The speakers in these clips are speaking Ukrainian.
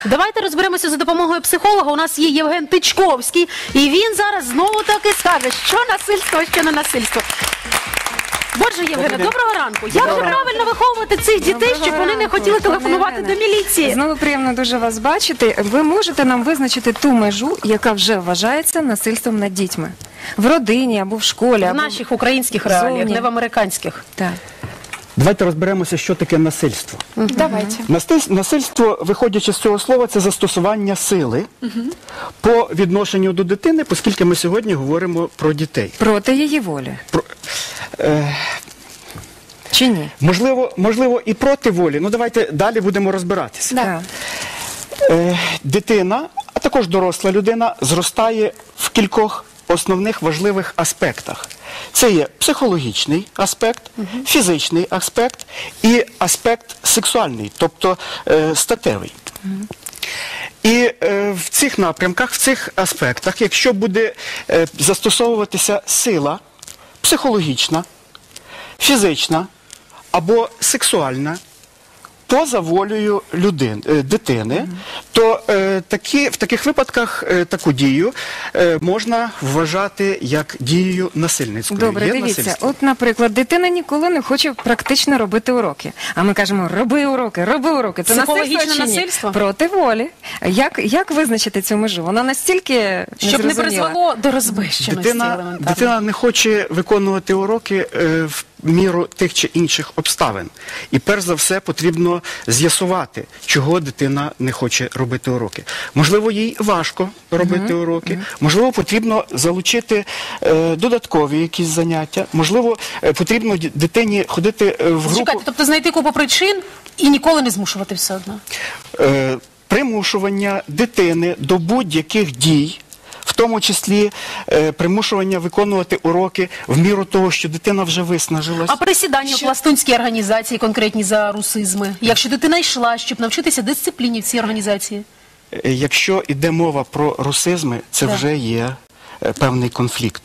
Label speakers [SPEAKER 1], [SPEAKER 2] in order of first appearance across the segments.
[SPEAKER 1] Давайте розберемося за допомогою психолога. У нас є Євген Тичковський, і він зараз знову таки скаже, що насильство, а що не насильство. Боже, Євгене, доброго ранку. Як же правильно виховувати цих дітей, щоб вони не хотіли телефонувати до міліції?
[SPEAKER 2] Знову приємно дуже вас бачити. Ви можете нам визначити ту межу, яка вже вважається насильством над дітьми? В родині або в школі,
[SPEAKER 1] В наших українських реаліях, не в американських.
[SPEAKER 2] Так.
[SPEAKER 3] Давайте розберемося, що таке насильство.
[SPEAKER 2] Давайте.
[SPEAKER 3] Насильство, виходячи з цього слова, це застосування сили по відношенню до дитини, оскільки ми сьогодні говоримо про дітей.
[SPEAKER 2] Проти її волі. Чи ні?
[SPEAKER 3] Можливо, і проти волі. Ну, давайте далі будемо розбиратися.
[SPEAKER 2] Так.
[SPEAKER 3] Дитина, а також доросла людина, зростає в кількох основних важливих аспектах. Це є психологічний аспект, фізичний аспект і аспект сексуальний, тобто статевий. І в цих напрямках, в цих аспектах, якщо буде застосовуватися сила психологічна, фізична або сексуальна, поза волею дитини, то в таких випадках таку дію можна вважати як дією насильницькою.
[SPEAKER 2] Добре, дивіться, от, наприклад, дитина ніколи не хоче практично робити уроки. А ми кажемо, роби уроки, роби уроки. Це
[SPEAKER 1] психологічне насильство?
[SPEAKER 2] Проти волі. Як визначити цю межу? Вона настільки
[SPEAKER 1] щоб не призвело до розбещеності елементарно.
[SPEAKER 3] Дитина не хоче виконувати уроки в міру тих чи інших обставин. І перш за все потрібно з'ясувати, чого дитина не хоче робити уроки. Можливо, їй важко робити уроки, можливо, потрібно залучити додаткові якісь заняття, можливо, потрібно дитині ходити в групу.
[SPEAKER 1] Чекайте, тобто знайти купу причин і ніколи не змушувати все одно?
[SPEAKER 3] Примушування дитини до будь-яких дій, в тому числі примушування виконувати уроки в міру того, що дитина вже виснажилась.
[SPEAKER 1] А присідання в пластунській організації, конкретні за русизми? Якщо дитина йшла, щоб навчитися дисципліні в цій організації?
[SPEAKER 3] Якщо йде мова про русизми, це вже є певний конфлікт.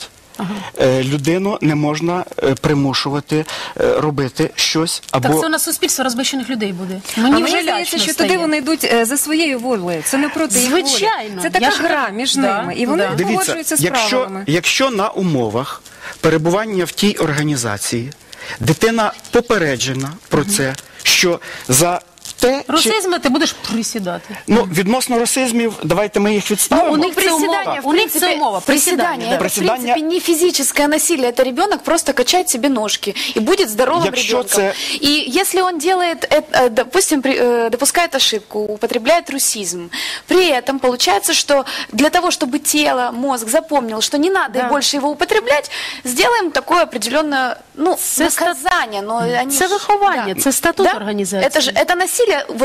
[SPEAKER 3] Людину не можна примушувати робити щось або...
[SPEAKER 1] Так це у нас суспільство розбещених людей буде.
[SPEAKER 2] Мені вже здається, що туди вони йдуть за своєю волею. Це не проти їх волі.
[SPEAKER 1] Звичайно.
[SPEAKER 2] Це така гра між ними. І вони погоджуються з правилами.
[SPEAKER 3] Якщо на умовах перебування в тій організації дитина попереджена про це, що за
[SPEAKER 1] русизми ти будеш присідати.
[SPEAKER 3] Ну, відносно русизмів, давайте мы их відставимо.
[SPEAKER 1] У них це умова.
[SPEAKER 4] Приседание. Это, в принципе, не физическое насилие. Это ребенок просто качает себе ножки и будет здоровым ребенком. И если он делает, допустим, допускает ошибку, употребляет русизм, при этом получается, что для того, чтобы тело, мозг запомнил, что не надо больше его употреблять, сделаем такое определенное, наказание.
[SPEAKER 1] Це виховання, це статут організації.
[SPEAKER 4] Это насилие.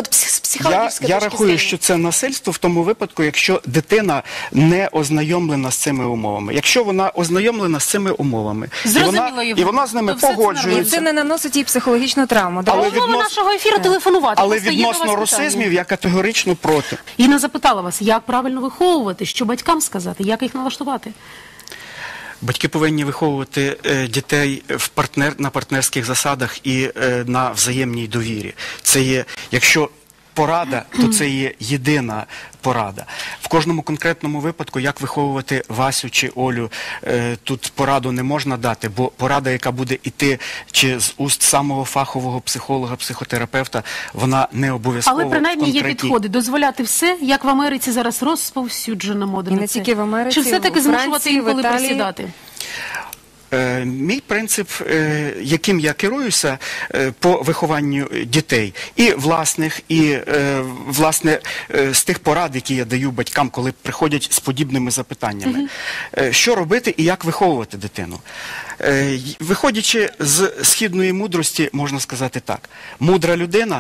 [SPEAKER 3] Я рахую, що це насильство в тому випадку, якщо дитина не ознайомлена з цими умовами. Якщо вона ознайомлена з цими умовами, і вона з ними погоджується.
[SPEAKER 2] Це не наносить їй психологічну травму.
[SPEAKER 1] Умова нашого ефіру телефонувати.
[SPEAKER 3] Але відносно русизмів я категорично проти.
[SPEAKER 1] Інна запитала вас, як правильно виховувати, що батькам сказати, як їх налаштувати?
[SPEAKER 3] Батьки повинні виховувати дітей на партнерських засадах і на взаємній довірі. Це є, якщо порада, то це є єдина порада. В кожному конкретному випадку, як виховувати Васю чи Олю, тут пораду не можна дати, бо порада, яка буде йти чи з уст самого фахового психолога, психотерапевта, вона не обов'язково.
[SPEAKER 1] Але принаймні є підходи. Дозволяти все, як в Америці зараз розповсюджена мода на це.
[SPEAKER 2] І не тільки в Америці,
[SPEAKER 1] чи все-таки змушувати інколи присідати?
[SPEAKER 3] Мій принцип, яким я керуюся по вихованню дітей, і власних, і власне з тих порад, які я даю батькам, коли приходять з подібними запитаннями. Що робити і як виховувати дитину? Виходячи з східної мудрості, можна сказати так. Мудра людина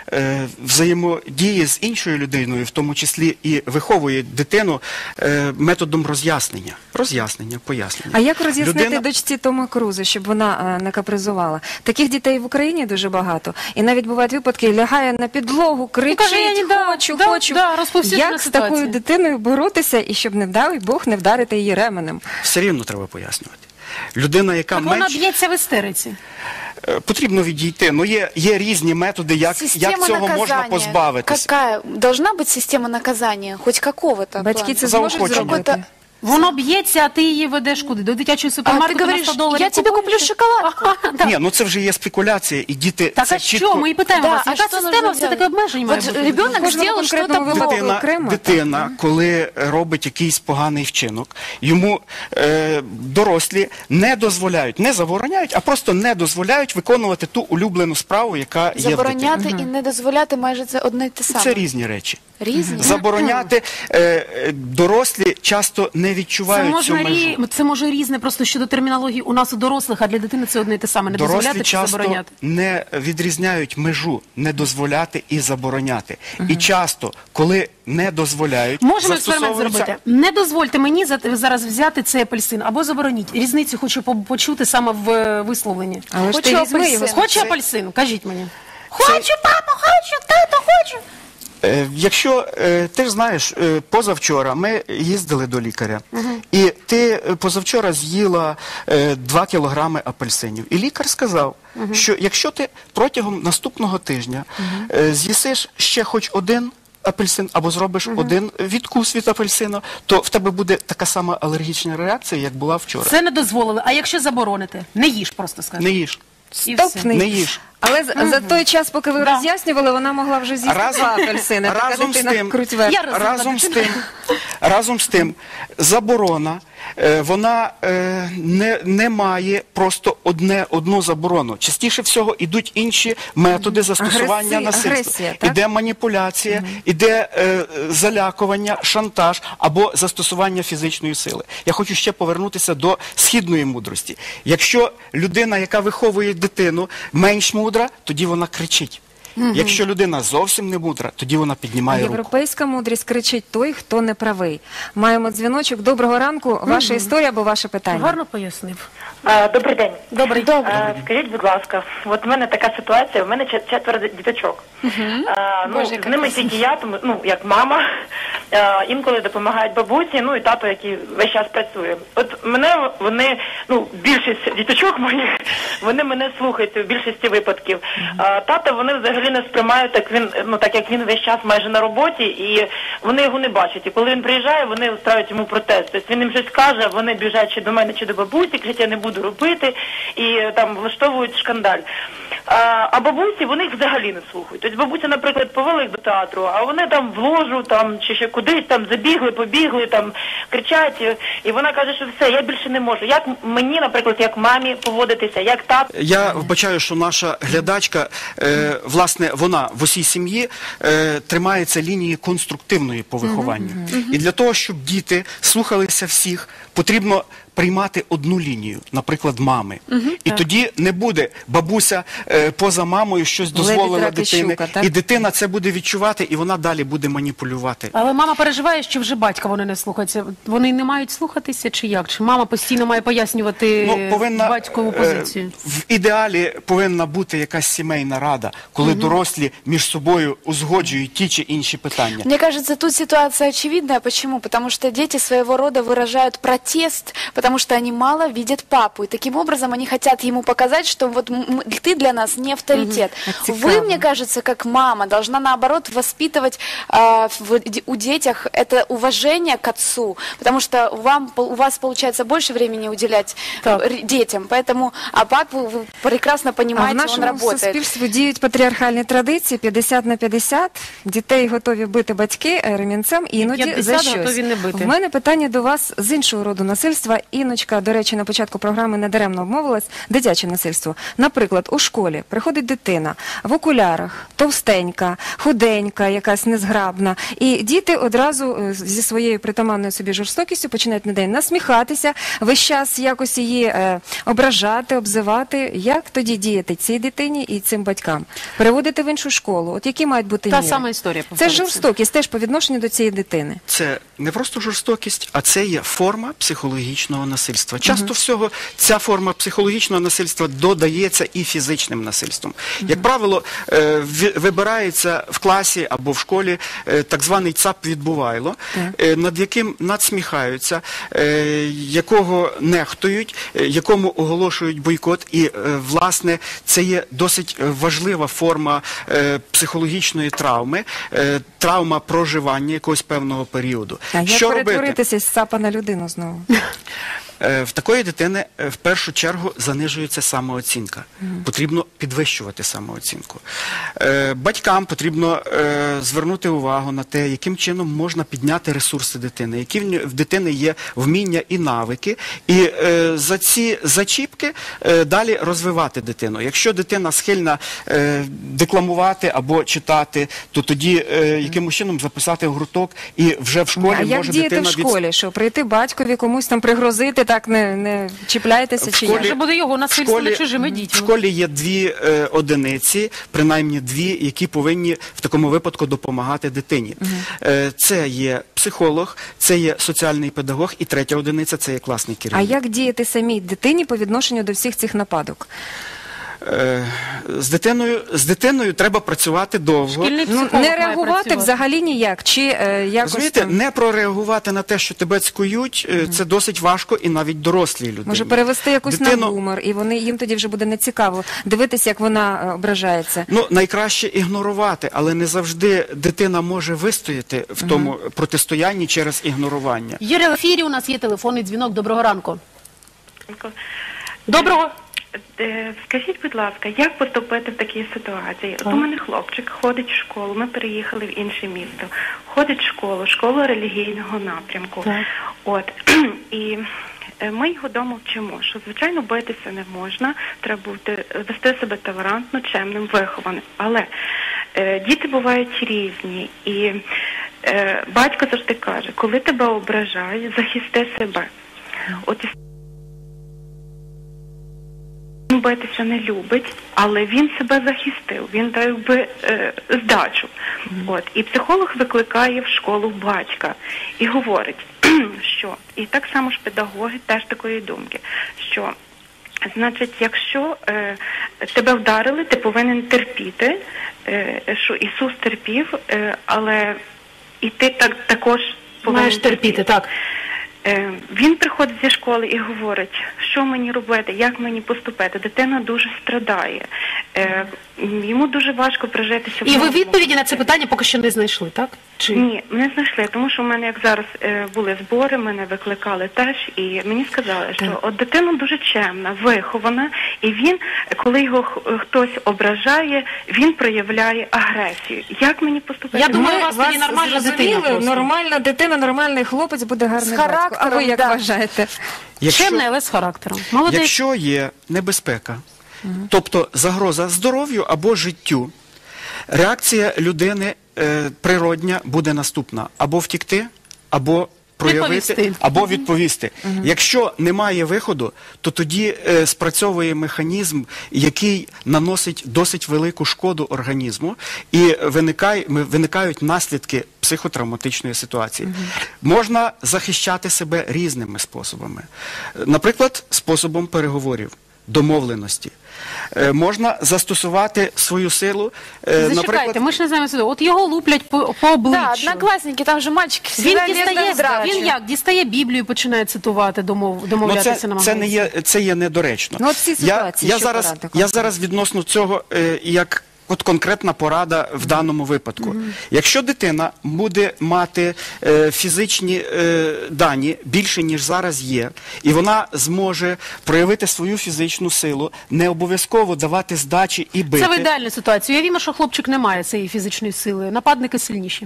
[SPEAKER 3] взаємодіє з іншою людиною, в тому числі і виховує дитину методом роз'яснення. Пояснення.
[SPEAKER 2] А як роз'яснити дочці Тома Круза, щоб вона не капризувала? Таких дітей в Україні дуже багато. І навіть бувають випадки, лягає на підлогу, кричить, хочу. Як з такою дитиною боротися, і щоб, не вдав Бог, не вдарити її ременем?
[SPEAKER 3] Все рівно треба пояснювати. Людина, яка
[SPEAKER 1] Так вона б'ється в істериці.
[SPEAKER 3] Потрібно відійти. Ну, є різні методи, як цього можна позбавитися.
[SPEAKER 4] Какая? Должна быть система наказания, хоть какого-то.
[SPEAKER 2] Батьки це зможуть зробити?
[SPEAKER 1] Воно б'ється, а ти її ведеш куди? До дитячої супермаркету на 100 доларів.
[SPEAKER 4] Я тебе куплю шоколадку.
[SPEAKER 3] Ні, ну це вже є спекуляція, і діти
[SPEAKER 1] Так, а що? Ми і питаємо вас, яка система все-таки обмежень має бути?
[SPEAKER 4] Ребенок зробив щось
[SPEAKER 3] Дитина, коли робить якийсь поганий вчинок, йому дорослі не дозволяють, не забороняють, а просто не дозволяють виконувати ту улюблену справу, яка є в дитині.
[SPEAKER 4] Забороняти і не дозволяти майже це одне й те саме.
[SPEAKER 3] Це різні речі.
[SPEAKER 4] Різні?
[SPEAKER 3] Забороняти дорослі часто не відчувають цю межу.
[SPEAKER 1] Це може різне просто щодо термінології у нас у дорослих, а для дитини це одне й те саме. Не дозволяти
[SPEAKER 3] Дорослі
[SPEAKER 1] чи
[SPEAKER 3] часто
[SPEAKER 1] забороняти.
[SPEAKER 3] не відрізняють межу, не дозволяти і забороняти. І часто, коли не дозволяють,
[SPEAKER 1] Можемо експеримент зробити. Не дозвольте мені зараз взяти цей апельсин або забороніть. Різницю хочу почути саме в висловленні.
[SPEAKER 2] Але ж ти візьми його.
[SPEAKER 1] Хочу апельсин, кажіть мені. Хочу, папа, хочу, тато, хочу.
[SPEAKER 3] Якщо ти ж знаєш, позавчора ми їздили до лікаря, і ти позавчора з'їла 2 кілограми апельсинів. І лікар сказав, що якщо ти протягом наступного тижня з'їсиш ще хоч один апельсин або зробиш один відкус від апельсина, то в тебе буде така сама алергічна реакція, як була вчора.
[SPEAKER 1] Це не дозволили. А якщо заборонити? Не їж просто, скажи.
[SPEAKER 3] Не їж.
[SPEAKER 1] І все.
[SPEAKER 2] Стоп,
[SPEAKER 3] Не їж.
[SPEAKER 2] Але за той час, поки ви роз'яснювали, вона могла вже з'їсти 2 апельсини.
[SPEAKER 3] Разом з тим, заборона, вона не має просто одну заборону. Частіше всього йдуть інші методи застосування насильства. Іде маніпуляція, іде залякування, шантаж або застосування фізичної сили. Я хочу ще повернутися до східної мудрості. Якщо людина, яка виховує дитину, менш мудра, тоді вона кричить. Якщо людина зовсім не мудра, тоді вона піднімає руку.
[SPEAKER 2] Європейська мудрість кричить той, хто не правий. Маємо дзвіночок. Доброго ранку. Ваша історія або ваше питання?
[SPEAKER 1] Гарно пояснив.
[SPEAKER 5] Добрий день.
[SPEAKER 1] Добрий.
[SPEAKER 5] Скажіть, будь ласка, от в мене така ситуація, в мене 4 діточок. З ними тільки я, тому, як мама, інколи допомагають бабусі, і тато, який весь час працює. От вони, більшість діточок моїх, вони мене слухають в більшості випадків. Тата вони взагалі не сприймають, так як він весь час майже на роботі, і вони його не бачать. І коли він приїжджає, вони устраюють йому протест. Тобто він їм щось каже, вони біжать чи до мене, чи до бабусі, кричать, я не буду робити, і там влаштовують шкандаль. А бабусі, вони їх взагалі не слухають. Тобто бабуся, наприклад, повела їх до театру, а вони там в ложу, чи ще кудись, там забігли, побігли, там кричать, і вона каже, що все, я більше не можу. Як мені, наприклад, як мамі поводитися, як тато?
[SPEAKER 3] Я вбачаю, що наша глядачка, власне, вона в усій сім'ї тримається лінії конструктивної по вихованню. І для того, щоб діти слухалися всіх, потрібно приймати одну лінію, наприклад, мами. І тоді не буде бабуся поза мамою щось дозволила дитині, і дитина це буде відчувати, і вона далі буде маніпулювати.
[SPEAKER 1] Але мама переживає, що вже батька вони не слухаються. Вони не мають слухатися чи як? Чи мама постійно має пояснювати батькову позицію?
[SPEAKER 3] В ідеалі повинна бути якась сімейна рада, коли дорослі між собою узгоджують ті чи інші питання.
[SPEAKER 4] Мне кажется, тут ситуация очевидная. Почему? Потому что дети своего рода выражают протест, потому что они мало видят папу. И таким образом они хотят ему показать, что вот ты для нас не авторитет. Вы, мне кажется, как мама, должна наоборот воспитывать у детях это уважение к отцу, потому что у вас получается больше времени уделять детям, поэтому, а папу вы прекрасно понимаете, он работает.
[SPEAKER 2] В нашому суспільстві діють патріархальні традиції, 50/50, дітей готові бити батьки ремінцем, іноді за щось. В мене питання до вас з іншого роду насильства. Іночка, до речі, на початку програми недаремно обмовилась, дитяче насильство. Наприклад, у школі приходить дитина в окулярах, товстенька, худенька, якась незграбна, і діти одразу зі своєю притаманною собі жорстокістю починають на день насміхатися, весь час якось її ображати, обзивати. Як тоді діяти цій дитині і цим батькам? Переводити в іншу школу? От які мають бути міри?
[SPEAKER 1] Та сама історія.
[SPEAKER 2] Це жорстокість теж по відношенню до цієї дитини.
[SPEAKER 3] Це не просто жорстокість, а це є форма психологічного психологічного насильства. Часто всього ця форма психологічного насильства додається і фізичним насильством. Як правило, вибирається в класі або в школі так званий ЦАП-відбувайло, над яким надсміхаються, якого нехтують, якому оголошують бойкот. І, власне, це є досить важлива форма психологічної травми, травма проживання якогось певного періоду.
[SPEAKER 2] А як перетворитися з ЦАПа на людину знову?
[SPEAKER 3] В такої дитини в першу чергу занижується самооцінка. Потрібно підвищувати самооцінку. Батькам потрібно звернути увагу на те, яким чином можна підняти ресурси дитини, які в дитини є вміння і навики, і за ці зачіпки далі розвивати дитину. Якщо дитина схильна декламувати або читати, то тоді якимось чином записати в гурток і вже в школі може дитина...
[SPEAKER 2] А як діяти в школі? Що прийти батькові, комусь там пригрозити, так не чіпляйтеся чи як?
[SPEAKER 1] Вже буде його насильство над чужими дітьми.
[SPEAKER 3] В школі є дві одиниці, принаймні дві, які повинні в такому випадку допомагати дитині. Це є психолог, це є соціальний педагог, і третя одиниця – це є класний керівник.
[SPEAKER 2] А як діяти самій дитині по відношенню до всіх цих нападок?
[SPEAKER 3] З дитиною треба працювати довго.
[SPEAKER 2] Не реагувати взагалі ніяк? Чи якось
[SPEAKER 3] розумієте,
[SPEAKER 2] там...
[SPEAKER 3] не прореагувати на те, що тебе цькують, це досить важко і навіть дорослій людині.
[SPEAKER 2] Може перевести якусь на гумор, і їм тоді вже буде нецікаво дивитися, як вона ображається.
[SPEAKER 3] Ну, найкраще ігнорувати, але не завжди дитина може вистояти в тому протистоянні через ігнорування.
[SPEAKER 1] Юрій, в ефірі у нас є телефонний дзвінок. Доброго ранку. Доброго.
[SPEAKER 5] Скажіть, будь ласка, як поступити в такій ситуації? От у мене хлопчик ходить в школу, ми переїхали в інше місто. Ходить в школу релігійного напрямку. От, і ми його вдома вчимо, що, звичайно, битися не можна, треба вести себе толерантно, чемним, вихованим. Але діти бувають різні, і батько завжди каже, коли тебе ображають, захисти себе. От він битися не любить, але він себе захистив, він дав якби здачу. От. І психолог викликає в школу батька і говорить, що, і так само ж педагоги теж такої думки, що, значить, якщо тебе вдарили, ти повинен терпіти, що Ісус терпів, але і ти також повинен
[SPEAKER 1] маєш терпіти, так.
[SPEAKER 5] Він приходить зі школи і говорить, що мені робити, як мені поступити. Дитина дуже страдає. Йому дуже важко прижитися.
[SPEAKER 1] І ви відповіді на це питання поки що не знайшли, так? Чи...
[SPEAKER 5] Ні, не знайшли, тому що в мене, як зараз були збори, мене викликали теж, і мені сказали, що от дитина дуже чемна, вихована, і він, коли його хтось ображає, він проявляє агресію. Як мені поступити?
[SPEAKER 1] Я думаю, у вас тоді нормальна дитина.
[SPEAKER 2] Нормальна дитина, нормальний хлопець буде гарний батько. А ви як вважаєте?
[SPEAKER 1] Чемний, але з характером. Молодець.
[SPEAKER 3] Якщо є небезпека, тобто загроза здоров'ю або життю, реакція людини природня буде наступна. Або втікти, або проявити, або відповісти. Якщо немає виходу, то тоді спрацьовує механізм, який наносить досить велику шкоду організму, і виникають наслідки психотравматичної ситуації. Можна захищати себе різними способами. Наприклад, способом переговорів, домовленості. Можна застосувати свою силу.
[SPEAKER 1] Зачекайте, ми ж не знаємо сюди. От його луплять по обличчю.
[SPEAKER 4] Так, однокласники, там же мальчики всегда
[SPEAKER 1] Він як? Дістає Біблію і починає цитувати, домовлятися намагається.
[SPEAKER 3] Це є недоречно.
[SPEAKER 2] Ну, от ці ситуації,
[SPEAKER 3] я зараз відносно цього, як от конкретна порада в даному випадку. Якщо дитина буде мати фізичні дані більше, ніж зараз є, і вона зможе проявити свою фізичну силу, не обов'язково давати здачі і бити.
[SPEAKER 1] Це в ідеальній ситуації. Уявімо, що хлопчик не має цієї фізичної сили. Нападники сильніші.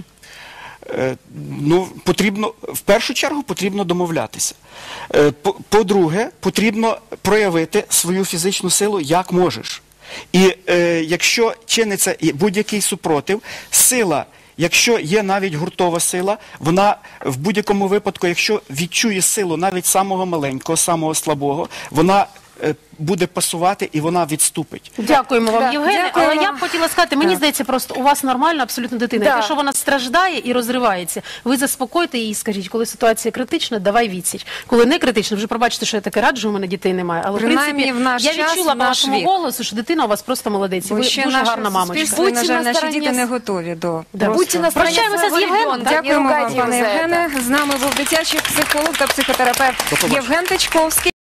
[SPEAKER 3] Ну, потрібно, в першу чергу потрібно домовлятися. По-друге, потрібно проявити свою фізичну силу як можеш. І якщо чиниться будь-який супротив, сила, якщо є навіть гуртова сила, вона в будь-якому випадку, якщо відчує силу навіть самого маленького, самого слабого, вона буде пасувати і вона відступить.
[SPEAKER 1] Дякуємо вам, Євгене. Але я б хотіла сказати, мені здається, просто у вас нормальна абсолютно дитина. Якщо вона страждає і розривається, ви заспокойте її і скажіть, коли ситуація критична, давай відсіч. Коли не критична, вже пробачте, що я таке раджу, у мене дітей немає. Але в принципі, я відчула по вашому голосу, що дитина у вас просто молодець. Ви дуже гарна мамочка.
[SPEAKER 2] На жаль, наші діти не готові до...
[SPEAKER 1] Прощаємося з Євгеном.
[SPEAKER 2] Дякуємо вам, пане Євгене. З нами був дитячий психолог та психотерапевт Євген Тичковський.